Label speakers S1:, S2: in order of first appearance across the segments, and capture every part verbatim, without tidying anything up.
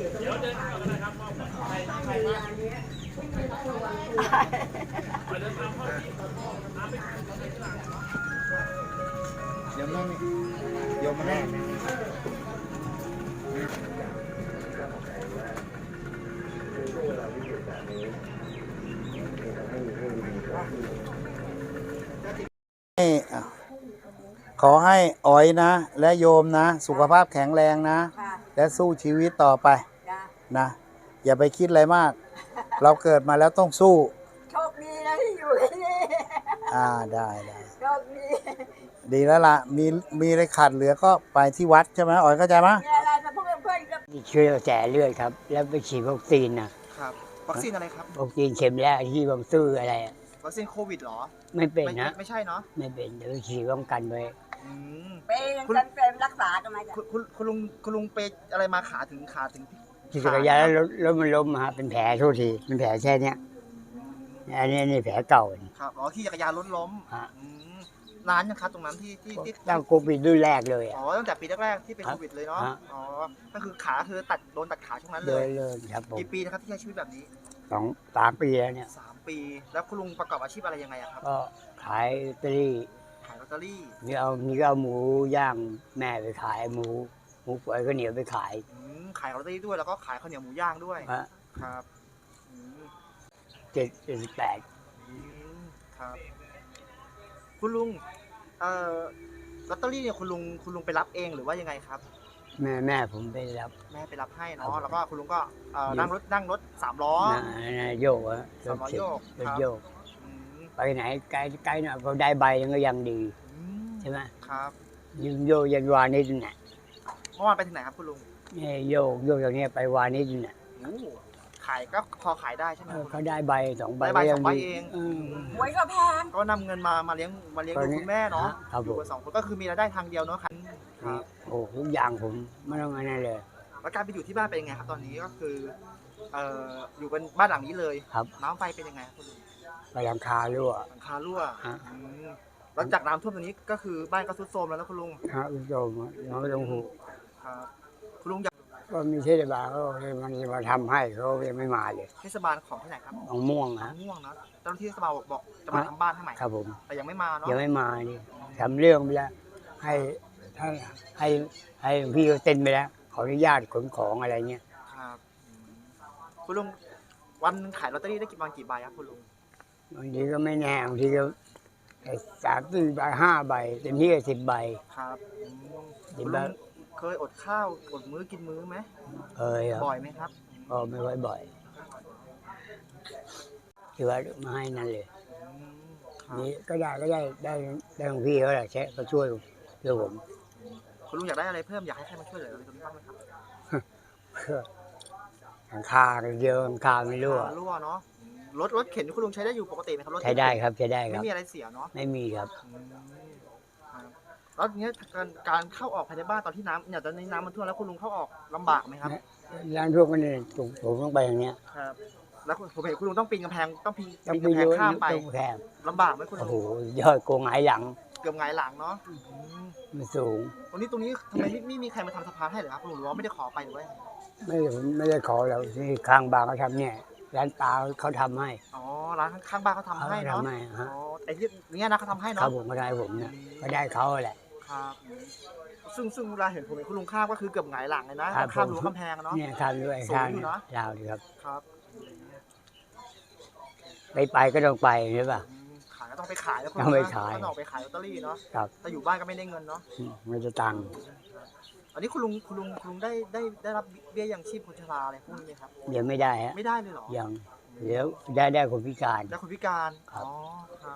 S1: เดี๋ยวนั่งโยมมานั่งขอให้อ๋อยนะและโยมนะสุขภาพแข็งแรงนะและสู้ชีวิตต่อไปนะอย่าไปคิดอะไรมากเราเกิดมาแล้วต้องสู้
S2: โชคดีนะที่อยู่ที่นี่
S1: อ่าได้ได้
S2: โชคดี
S1: ดีแล้วล่ะมีมีอะไรขาดเหลือก็ไปที่วัดใช่ไหมอ๋อยเข้าใจไหม
S2: มีอะไรจะพูดเพื่อนก็
S3: มีเชื้อแสเลือดครับแล้วไปฉีดวัคซีนนะครับ
S4: วัคซีนอะไรครับ
S3: วัคซีนเข็มแรกที่บางซื่ออะไร
S4: วัคซีนโควิดเหรอ
S3: ไม่เป็นนะ
S4: ไม่ใช่เนาะ
S3: ไม่เป็นเดี๋ยวฉีดป้องกันไว้
S2: เป็นกันเป็นรักษากันไหม
S4: คุณคุณคุณลุงคุณลุงไปอะไรมาขาถึงขาถึง
S3: ขี่จักรยานแล้วรถมันล้มฮะเป็นแผลโทษทีเป็นแผลแค่เนี้ยอันนี้นี่แผลเก่า
S4: ครับอ๋อขี่จักรยานรถล้มนานยังครับตรงนั้นที่ที่ที่
S3: ตั้งโควิดรุ่นแรกเลย
S4: อ๋อตั้งแต่ปีแรกๆที่เป็นโควิดเลยเนาะอ๋อก็คือขาคือตัดโดนตัดขาช่วงนั้นเลย
S3: เลยครับผม
S4: กี่ปีนะครับที่ใช้ชีวิตแบบนี้
S3: สองสามปีแล้วเนี่ย
S4: สามปีแล้วคุณลุงประกอบอาชีพอะไรยังไงครับ
S3: ก็ขายลอตเตอรี่
S4: ขายลอตเตอรี่
S3: นี่เอานี่ก็เอาหมูย่างแม่ไปขายหมูหมูฝอยก็เหนียวไปขาย
S4: ขายลอตเตอรี่ด้วยแล้วก็ขายข้าวเหนียวหมูย่างด้วยครับ
S3: เจ็ดเจ็ดสิบแปด
S4: ครับคุณลุงเอ่อลอตเตอรี่เนี่ยคุณลุงคุณลุงไปรับเองหรือว่ายังไงครับ
S3: แม่แม่ผมไปรับ
S4: แม่ไปรับให้เนาะแล้วก็คุณลุงก็นั่งรถนั่งรถสามล้อ
S3: โยกอะ
S4: สามล้อโยก
S3: รถโยกไปไหนไกลไกลหน่อยก็ได้ใบนึงก็ยังดีใช่ไหม
S4: ครับ
S3: ยืนโยกยันวานิชเนี่ย
S4: เมื่อวานไปที่ไหนครับคุณลุง
S3: นี่โยกโยกอย่างนี้ไปวานิชเนี่ย
S4: ขายก็พอขายได้ใช่ไหม
S3: เขาได้ใบสองใบ
S4: ได้ใบสองใบเอง
S2: หวยก็แพง
S4: ก็นำเงินมามาเลี้ยงมาเลี้ยงดูคุณแม่เนาะอยู่กันสองคนก็คือมีรายได้ทางเดียวเนาะครับ
S3: โอ้ทุกอย่างผมไม่ต้องอะไรเลย
S4: แล้วการไปอยู่ที่บ้านเป็นยังไงครับตอนนี้ก็คือเอ่ออยู่เป็นบ้านหลังนี้เลย
S3: ครับ
S4: น้ำไฟเป็นยังไงคุณลุง
S3: ไปหลังคารั่ว
S4: หลังคารั่วหลังจากน้ำท่วมตรงนี้ก็คือบ้านก็ทรุดโทรมแล้วนะคุณลุง
S3: ครับทรุดโทรมน้องไม่ต้องห่วง
S4: ครับคุณลุงอยาก
S3: ก็มีเทศบาลเขาเลยมันมาทำให้เขายังไม่มาเลย
S4: เทศบาลของที่ไหนครับ
S3: ของม่วงนะ
S4: ม่วงนะเจ้าหน้าที่เทศบาลบอกบอกจะมาทำบ้านให้ใหม่
S3: ครับผม
S4: แต่ยังไม่มาเนาะ
S3: ยังไม่มานี่ทำเรื่องไปแล้วให้ให้ให้ให้พี่เขาเซ็นไปแล้วขออนุญาตขนของอะไรเงี้ย
S4: ครับคุณลุงวันขายลอตเตอรี่ได้กี่วันกี่ใบครับคุณลุง
S3: บางทีก็ไม่แน่บางทีก็สามสี่ใบห้าใบเต็มที่ก็สิบใบ
S4: ครับคุณลุงเคยอดข้าวอดมื้อกินมื้อไหม
S3: เคย
S4: บ่อยไหมครับ
S3: ก็ไม่ค่อยบ่อยที่ว่ามาให้นั่นเลยนี่ก็ได้ก็ได้ได้ได้ของพี่เขาแหละแชะก็ช่วยช่วยผม
S4: คุณลุงอยากได้อะไรเพิ่มอยากให้ใครมาช่วยเหลืออะไรตรงนี้บ้างไหมครับ
S3: เพื่อหลังคาเยอะหลังคาไม่รั่ว
S4: รั่วเนาะรถรถเข็นคุณลุงใช้ได้อยู่ปกติไหมครับรถ
S3: ใช้ได้ครับใช้ได้ครับ
S4: ไม่มีอะไรเสียเนาะ
S3: ไม่มีครับ
S4: แล้วเนี้ยการการเข้าออกภายในบ้านตอนที่น้ำเนี่ยตอนนี้น้ำมันท่วมแล้วคุณลุงเข้าออกลำบากไหมครับ
S3: ร้านท่วมกันเนี่ยผมต้องไปอย่างเนี้ย
S4: ครับแล้วผมเห็นคุณลุงต้องปีนกำแพงต้องปีนกำแพงข้ามไปลำบากไหมคุณลุง
S3: โอ้โหยอดโกงหงายหลัง
S4: เกือบหงายหลังเนาะ
S3: มันสูง
S4: ตรงนี้ตรงนี้ทำไมไม่มีใครมาทำสะพานให้หรือครับคุณลุงหรือว่าไม่ได้ขอไปหรือว่า
S3: ไม่ไม่ได้ขอแล้วที่ข้างบ้านเขาทำเนี่ยร้านตาเขาทำให้
S4: อ๋อร้านข้างบ้านเขาทำให้เนาะอ๋อไอ้ที่เนี้ยนะเขาทำให้เนาะ
S3: ครับผมก็ได้ผมเนี่ยก็ได้เขาแหละ
S4: ครับซึ่งซึ่งเวลาเห็นผมเห็นคุณลุงข้ามก็คือเกือบหงายหลังเลยนะข้ามรั้วกำแพงเนาะ
S3: เนี่ยข้ามด้วย
S4: สูงอยู่เนาะ
S3: ยาวดีครับ
S4: ครับ
S3: ไปไปก็ต้องไปใช่ป่ะ
S4: ขายก็ต้องไปขายแล้วคุณ
S3: ต้องไปขาย
S4: ต้องออกไปขายลอตเตอรี่เนาะ
S3: ครับ
S4: แต่อยู่บ้านก็ไม่ได้เงินเนาะ
S3: ไม่จะตังค์
S4: อันนี้คุณลุงคุณลุงคุณลุงได้ได้ได้รับเบี้ยยังชีพคนชราอะไรพวกนี้ไหมครับ
S3: เดี๋ยวไม่ได้ฮะ
S4: ไม่ได้เลยหรอ
S3: ยังเดี๋ยวได้ได้คนพิการ
S4: ได้คนพิการอ๋อครับ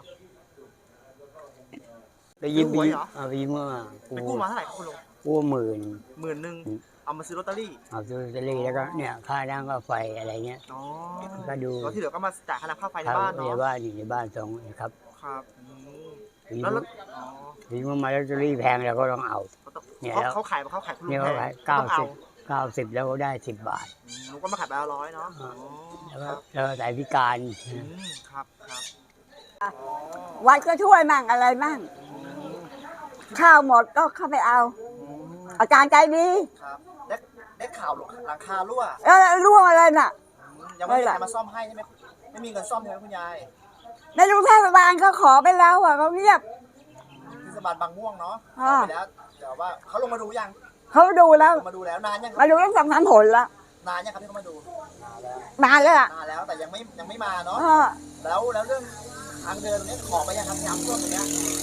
S3: ไปยิ้มเหรอไปยิ้มว่า
S4: ไปกู้มาเท่าไหร่คุณลุง
S3: กู้หมื่น
S4: หมื่นหนึ่งเอามาซื้อลอตเตอรี่
S3: เอาซื้อลอตเตอรี่แล้วก็เนี่ยค่าน้ำค่าไฟอะไรเงี้ย
S4: อ๋อ
S3: ก็ดู
S4: แล้วที่เหลือก็มาจ่ายค่าน้ำค่าไฟในบ้านเนาะ
S3: ในบ้านอยู่ในบ้านสองครับ
S4: ครับ
S3: แล้วถึงมาลอตเตอรี่แพงเราก็ต้องเอา
S4: เนี่ยเขาขายเขาขายคุณลุง
S3: แพงเก้าสิบเก้าสิบแล้วก็ได้สิบบาท
S4: ลุงก็มาขายไปละร้อยเนาะ
S3: แล้วก็สายพิการ
S4: ครับครับ
S2: วัดก็ช่วยมั่งอะไรมั่งข้าวหมดก็เข้าไปเอาอาจารย์ใจดี
S4: ครับได้ได้ข่าวหลังคารั่ว
S2: เออร่วงอะไรน่ะ
S4: ยังไม่มีใครมาซ่อมให้ใช่ไหมไม่มีเงินซ่อมใช่ไหมคุณยาย
S2: ในรู้เทศบาลเขาขอไปแล้วอ่ะเขาเงียบ
S4: เทศบาลบางม่วงเนาะ
S2: อ่า
S4: ไปแล้วแต่ว่าเขาลงมาดูยัง
S2: เขาดูแล้ว
S4: ลงมาดูแล้วนานยังค
S2: มา
S4: รับ
S2: ดูตั้งสองสามผลแล้ว
S4: นานยังครับที่เขามาดู
S2: มาแล้วอ่ะ
S4: นานแล้วแต่ยังไม่ยังไม่มาเนาะ
S2: เออ
S4: แล้วแล้วเรื่องทางเดินตรงนี้ขอไปยังครับน้ำท่วมตรงเนี้ย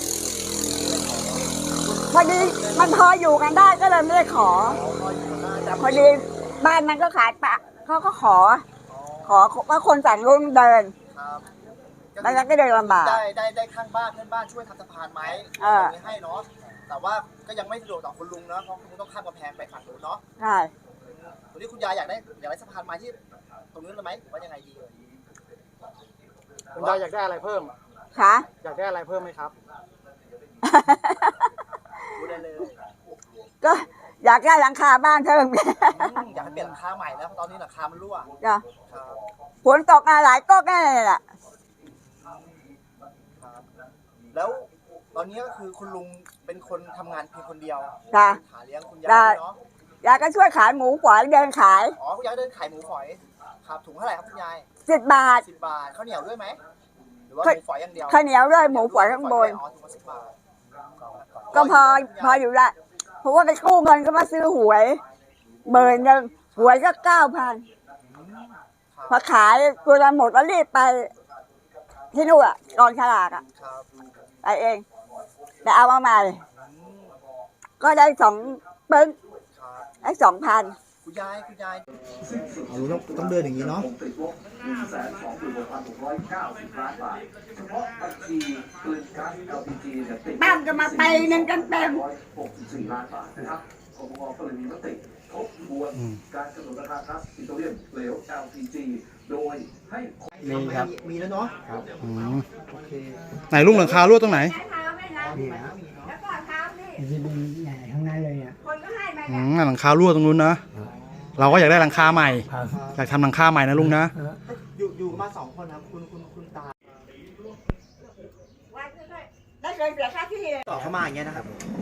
S2: พอดีมันพออยู่กันได้ก็เลยไม่ได้ขอ
S4: พออยู่ได้แต่
S2: พอดีบ้านมันก็ขายปะเขาก็ขอ ขอว่าคนสั่งรุ่นเดิน
S4: ครับ
S2: แล้วก็เดินลำบาก
S4: ได้ได้ได้ข้างบ้านเพื่อนบ้านช่วยทำสะพานไหม
S2: เออ
S4: ไม่ให้เนาะแต่ว่าก็ยังไม่สะดวกต่อคุณลุงเนาะเพราะคุณลุงต้องข้ามกำแพงไปฝั่งนู้นเนาะ
S2: ใช่
S4: วันนี้คุณยายอยากได้อยากได้สะพานไม้ที่ตรงนู้นเลยไหมหรือว่ายังไงดีเอ่ย
S5: คุณยายอยากได้อะไรเพิ่ม
S2: ค่ะ
S5: อยากได้อะไรเพิ่มไหมครับ
S4: ดูได้เลย
S2: ก็อยากได้หลังคาบ้านเพิ่ม
S4: อืมอยากให้เปลี่ยนหลังคาใหม่แล้วเพราะตอนนี้หลังคามันรั่ว
S2: จ้ะ
S4: ครับ
S2: ฝนตกมาหลายก็แน่แหละ
S4: ครับแล้วตอนนี้ก็คือคุณลุงเป็นคนทำงานเพียงคนเดียว
S2: จ้ะ
S4: หาเลี้ยงคุณยาย
S2: ได้
S4: ด้วยเนาะ
S2: ยายก็ช่วยขายหมูฝอยเดินขาย
S4: อ๋อคุณยายเดินขายหมูฝอยครับถุงเท่าไหร่ครับคุณยาย
S2: สิบบาท
S4: สิบบาทข้าวเหนียวด้วยไหมหรือว่าห
S2: ข้าว
S4: มูฝอยอย่างเดียว
S2: ข้าวเหนียวด้วยหมูฝอยข้างบน
S4: อ๋อถุงละสิบบาท
S2: ก็พอพออยู่ละเพราะว่าไปกู้เงินก็มาซื้อหวยเบอร์หนึ่งหวยก็เก้าพันพอขายตัวละหมดแล้วรีบไป ที่นู่นอ่ะกองฉลากอ่ะ
S4: ครับ
S2: ไปเองแต่เอามาใหม่ ก็ได้สองเปิ้ง
S4: ครับ
S2: ได้สองพัน
S4: คุณยายคุณยายเอารู้ต้องต้องเดินอย่างนี้เนาะ
S2: บ้านก็มาไปหนึ่งกันเต็ม
S3: มีครับ
S4: มีแล้วเนาะ
S1: อืม
S4: โอเค
S1: ไหนลุงหลังคารั่วตรงไหน
S3: นี่นะที่เป็นใหญ่ทั้งนั้นเลยอ่ะ
S1: อืมหลังคารั่วตรงนู้นนะ เราก็อยากได้หลังคาใหม่
S3: ครับ
S1: อยากทำหลังคาใหม่นะลุงนะ
S4: อยู่อยู่มาสองคนครับคุณคุณคุณตา
S2: ได้เคยเสียค่าที่
S4: ต่อเข้ามาอย่างเงี้ยนะครับ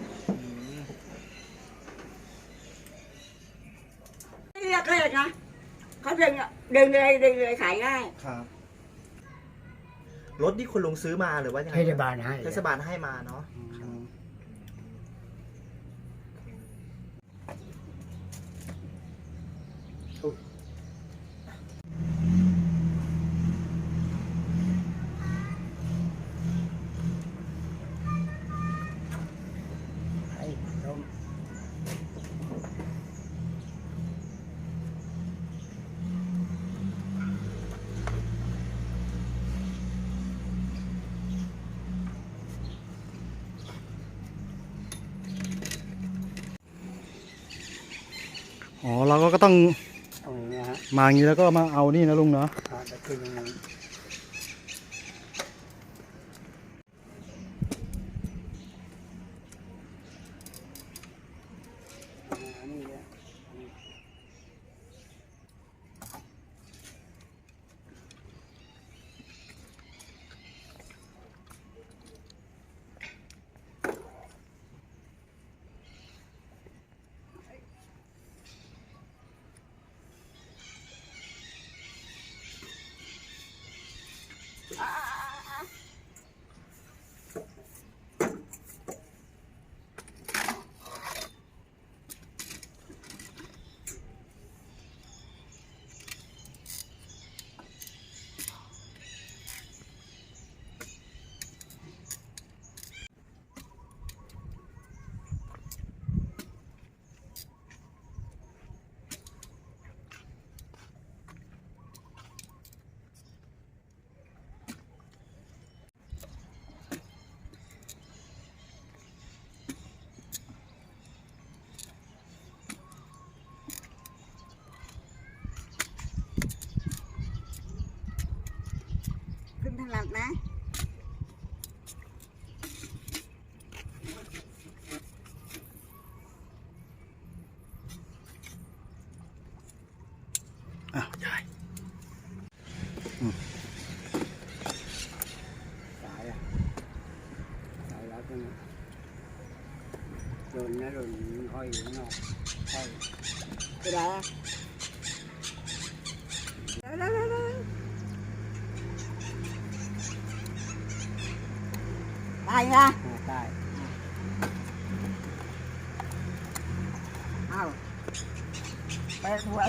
S2: เรียกเลยนะเขาดึงดึงเลยดึงเลยขายง่าย
S4: ครับรถที่คุณลุงซื้อมาหรือว่ายังไง
S3: เทศบาลให้
S4: เทศบาลให้มาเนาะ
S1: อ๋อ เราก็ต้อง
S3: ตรงนี้นะฮะ
S1: มาอย่างนี้แล้วก็มาเอานี่นะลุงเนาะ
S3: ครับจะขึ้นยังไงอ่านี่เนี่ย
S2: ขึ้นถนัดนะ
S1: อ่ะยาย
S3: สายอ่ะสายรัดนะโดนนะโดนห้อยอยู่ข้างนอกห้อย
S2: ไปไหนอะเร็วเร็วเร็วเร็วได้นะ
S3: ได้
S2: อ้าวไปหวย